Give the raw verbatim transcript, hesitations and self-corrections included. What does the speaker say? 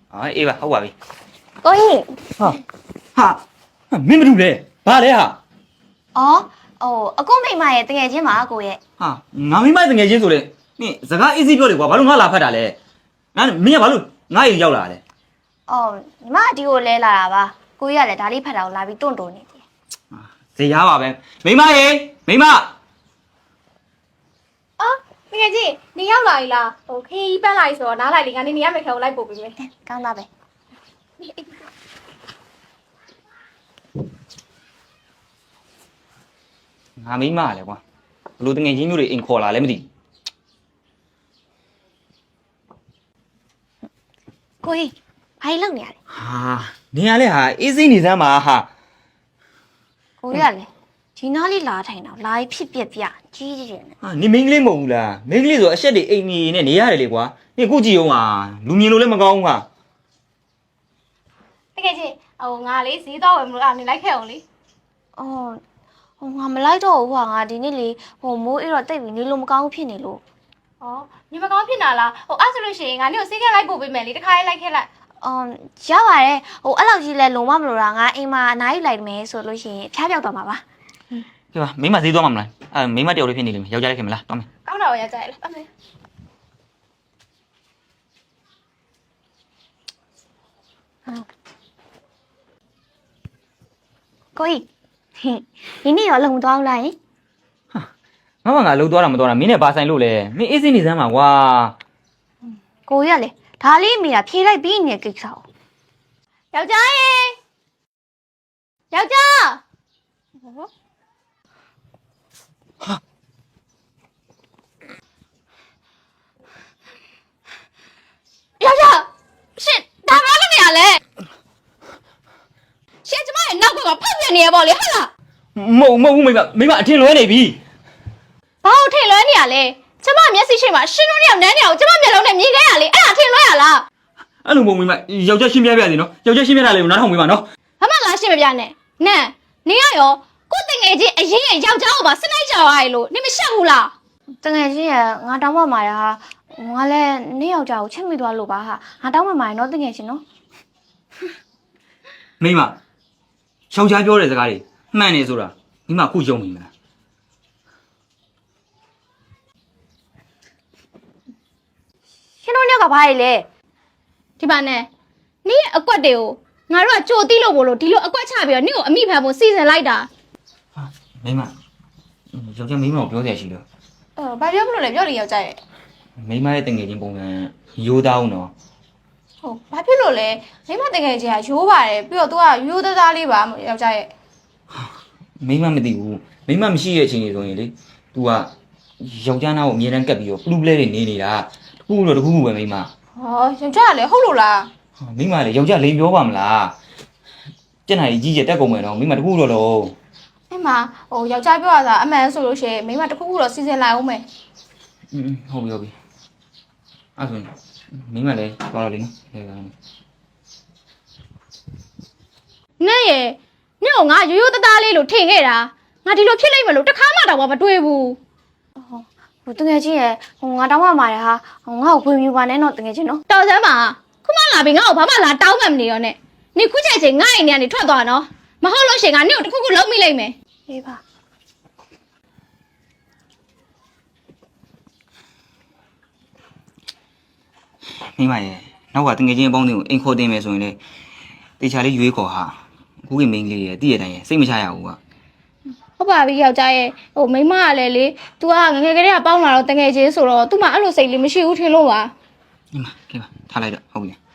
啊，哎吧，好吧呗。 ကိုကြီး哈，哈，没没住嘞，哪来哈？ အော်ဟိုအကုမိမရဲ့တကယ်ချင်းပါကိုရဲ့哈，俺没买等眼镜做嘞，你这个一直表的话，把路俺拉拍တာ嘞，俺明天把路俺也要来嘞。 အော်ညီမဒီကိုလဲလာတာပါကိုကြီးကလည်းဒါလေးဖတ်တာကိုလာပြီးတွန့်တွန့်နေတယ်这家伙呗，没买耶，没买。 အော်တကယ်ကြီးနေရောက်လာပြီလားဟိုခရီးပန်းလာပြီဆိုတော့နားလိုက်လေငါနေနေရမယ့်ခဲကိုလိုက်ပို့ပေးမယ်ကောင်းသားပဲ俺没买嘞，瓜，路等眼镜有的硬壳啦，来没得。 ကိုကြီးဘာလုပ်နေရလဲ哈，你伢嘞哈，一岁你才嘛哈？ ကိုကြီးကလည်းဒီနားလေးလာထိုင်တော့လာပြီးဖြစ်ပြက်ပြကြီးကြီးတယ်啊，你没嘞冇啦，没嘞说现在哎你那你伢嘞瓜，你估计有啊，路面路嘞么高啊？ တကယ်ကြီးဟိုငါလေးဈေးတော့ဝယ်မလို့အဲ့နေလိုက်ခဲ့အောင်လေအော်ဟိုငါမလိုက်တော့ဘူးဟာငါဒီနေ့လေဟိုမိုးအဲ့တော့တိတ်ပြီးနေလို့မကောင်းဘူးဖြစ်နေလို့ဩညီမကောင်းဖြစ်နာလားဟိုအဲ့ဆိုလို့ရှိရင်ငါနေကိုဈေးကလိုက်ပို့ပေးမယ်လေတခါလေးလိုက်ခဲ့လိုက်အော်ရပါတယ်ဟိုအဲ့လောက်ကြီးလဲလုံမမလို့တာငါအိမ်မှာအနားယူလိုက်မယ်ဆိုလို့ရှိရင်ဖျားပြောက်သွားမှာပါ对吧？没买谁多嘛么啦？啊，没买掉的骗你了没？要家里去没啦？多没？ ကောင်းတာရောရကြရလားအမေကိုကြီးဒီနေ့ရောလုံသွားအောင်လားယင်ငါမငါလှုပ်သွားတာမသွားတာမင်းနဲ့ဘာဆိုင်လို့လဲမင်းအေးစိနေစမ်းပါကွာကိုကြီးကလေဒါလေးမိတာဖြေးလိုက်ပြီးနေတဲ့ကိစ္စကိုယောက်ျားရေယောက်ျားယောက်ျားရှင်ဒါဘာလို့နေရလဲရှင်ကျမရဲ့နောက်ကဖောက်ပြနေရပေါ့လေဟုတ်လားမဟုတ်မဟုတ်မိမမိမအထင်လွဲနေပြီဘာလို့ထင်လွဲနေရလဲကျမမျက်စိရှိမှရှင်တို့နှစ်ယောက်နန်းနေအောင်ကျမမျက်လုံးနဲ့မြင်ခဲ့ရလေအဲ့ဒါထင်လွဲရလားအဲ့လိုမဟုတ်မိမယောက်ျားရှင်းပြပြစီနော်ယောက်ျားရှင်းပြတာလေးကိုနားထောင်မိမနော်ဘာမှလားရှင်းမပြနဲ့နန်းနေရရောကိုတငယ်ချင်းအရင်ရဲ့ယောက်ျားကိုပါစနိုက်ကြော်ရည်လို့နေမရှက်ဘူးလားတကယ်ချင်းရငါတောင်းပမာရဟာငါလည်းနေ့ယောက်ျားကိုချက်မိသွားလို့ပါဟာငါတောင်းပမာရနော်တကယ်ချင်းနော်မိမယောက်ျားပြောတဲ့စကားတွေမှန်နေဆိုတာမိမခုယုံမိမလားရှင်တို့ညကဘာလဲဒီပါနဲ့နေရဲ့အကွက်တွေကိုငါတို့ကကြိုတိလို့ဘလို့ဒီလိုအကွက်ချပြီးတော့နေကိုအမိဖန်ဖို့စီစဉ်လိုက်တာဟာမိမယောက်ျားမိမကိုပြောစရာရှိလို့အော်ဘာပြောမလို့လဲပြောလေယောက်ျားရဲ့မိမရဲ့တငယ်ချင်းပုံစံရိုးသားအောင်နော်ဟုတ်ဘာဖြစ်လို့လဲမိမတကယ်ကြီးကရိုးပါတယ်ပြီးတော့ तू ကရိုးသားသားလေးပါယောက်ျားရဲ့မိမမသိဘူးမိမမရှိရဲ့အချိန်ကြီးဆိုရင်လေ तू ကယောက်ျားနာကိုအမြဲတမ်းကပ်ပြီးတော့ပလူပလဲတွေနေနေတာတခုတော့တခုခုပဲမိမဟောယောက်ျားကလည်းဟုတ်လို့လားမိမလေယောက်ျားလိန်ပြောပါမလားကျက်နိုင်ကြီးကျက်တက်ကုန်မယ်တော့မိမတခုတော့တော့အဲ့မှာဟိုယောက်ျားပြောရတာအမှန်ဆိုလို့ရှိရင်မိမတစ်ခုခုတော့စီစဉ်လိုက်အောင်မယ်อืมဟုတ်ပြီဟုတ်ပြီအဲ့ဆိုမိမလည်းသွားတော့လေနော်လေကောင်းနဲ့ရဲ့နဲ့ကိုငါရိုးရိုးသားသားလေးလို့ထင်ခဲ့တာငါဒီလိုဖြစ်လိမ့်မယ်လို့တစ်ခါမှတော့မတွေးဘူးဟိုတကယ်ချင်းရဟိုငါတောင်းပမာရဟာငါ့ကိုဖွင့်ပြပါနဲ့နော်တကယ်ချင်းနော်တော်စမ်းပါခုမှလာပြီငါ့ကိုဘာမှလာတောင်းမှမနေရောနဲ့နေခုချက်ချင်းငါ့အိမ်ထဲကနေထွက်သွားနော်မဟုတ်လို့ရှင်ငါနေကိုတစ်ခုခုလုံးမိလိုက်မယ်အေးပါမိမရဲ့နောက်ကတငယ်ချင်းအပေါင်းတွေကိုအိမ်ခေါ်တင်မယ်ဆိုရင်လေတေချာလေးရွေးခေါ်ဟာအခုကမိန်းကလေးရဲ့တည့်ရတိုင်းရဲ့စိတ်မချရဘူးကဟုတ်ပါပြီယောက်ျားရဲ့ဟိုမိန်းမကလည်းလေ तू ကငငယ်ကလေးကပေါင်းလာတော့တငယ်ချင်းဆိုတော့ तू မှအဲ့လိုစိတ်လေးမရှိဘူးထင်လို့ပါမိမကဲပါထားလိုက်တော့ဟုတ်ပြီ